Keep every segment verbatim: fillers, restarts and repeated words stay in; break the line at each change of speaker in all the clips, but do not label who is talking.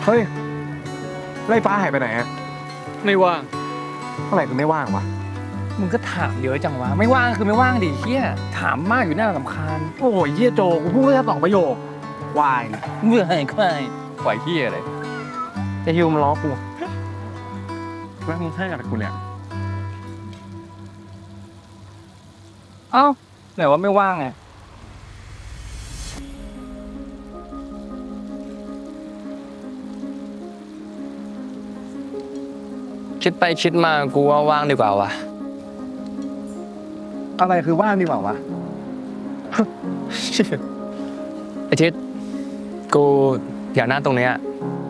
เฮ้ยไล่ฟ้าหายไปไหนอะ
ไม่ว่าง
เมื่อไหร่กูไม่ว่างวะ
มึงก็ถามเยอะจังวะ ไม่ว่างคือไม่ว่างดิเฮียถามมากอยู่หน้าลำคาญ
โอ้ยเยี่ยโจกูพูดแค่สองประโยค วาย
เมื่อไหร่ควายควายเฮียเลย
จะฮิวมาล้อกูแล้วมึงให้กับกูเนี่ย
เอ้าไหนว่าไม่ว่างไง
คิดไปคิดมากูว่าว่างดีกว่าวะ
อะไรคือว่างดีกว่าวะ
ไอทิศกูอยากนั่งตรงเนี้ย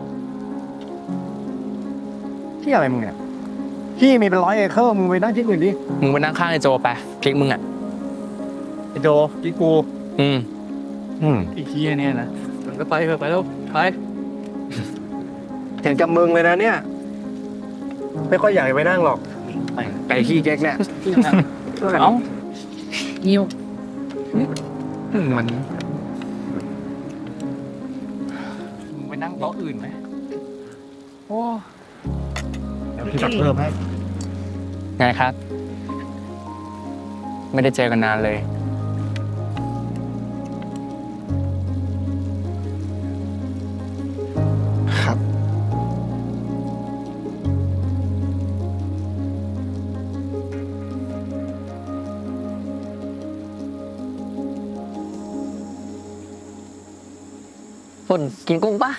ที่อะไรมึงเนี่ยที่มีเป็นร้อยเอเคอร์มึงไปนั่งที่อื่นดิ
มึงไปนั่งข้างไอโจไปคลิกมึงอ่ะ
ไอโจที่กู
อืม
อืม
ไอ้เฮียเนี่ยนะมันก็ไปเถอะไปแล้วไป
เห็นกับมึงเลยนะเนี่ย ไม่ค่อยอยากไปนั่งหรอกไก่ขี้เก๊กเนี่ย
เอ้านิว
อืมมัน
มึงไปนั่งโต๊ะอื่นไหมโอ้
เดี๋ยวพี่จัดเพิ่มให้
ไงครับ ไม่ได้เจอกันนานเลย
ครับ
ฝนกินกุ้งปะ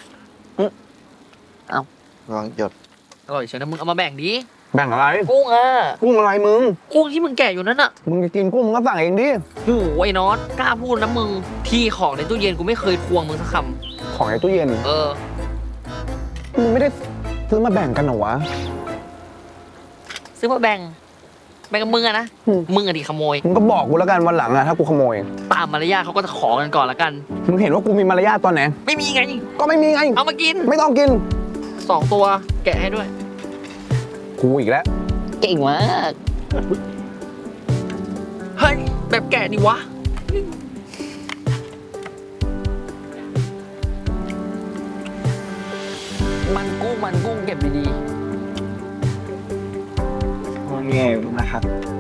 ลองหยด
อร่อยเชียวนะมึงเอามาแบ่งดิ
แบ่งอะไร
กุ้งอ่ะ
กุ้งอะไรมึง
กุ้งที่มึงแกะอยู่นั่นอ่ะ
มึงจะกินกุ้งมึงก็สั่งเองดิ
โอ้โหไอ้น็อตกล้าพูดนะมึง ที่ของในตู้เย็นกูไม่เคยทวงมึงสักค
ของในตู้เย็น
ำเออ
มึงไม่ได้ซื้อมาแบ่งกันเหรอวะ
ซื้อมาแบ่ง แบ่งกับมึงอะนะ
อืม
มึงอะดิขโมย
มึงก็บอกกูแล้วกันวันหลังอะถ้ากูขโมย
ตามมารยาทเขาก็จะขอกันก่อนละกัน
มึงเห็นว่ากูมีมารยาทตอนไหน
ไม่มีไง
ก็ไม่มีไง
เอามากิน
ไม่ต้องกิน
สองตัว แกะให้ด้วย
กูอีกแล้ว
เก่งมาก เฮ้ย แบบแกะดิวะ มันกุ้งมันกุ้งเก็บดี
ว่าไงนะครับ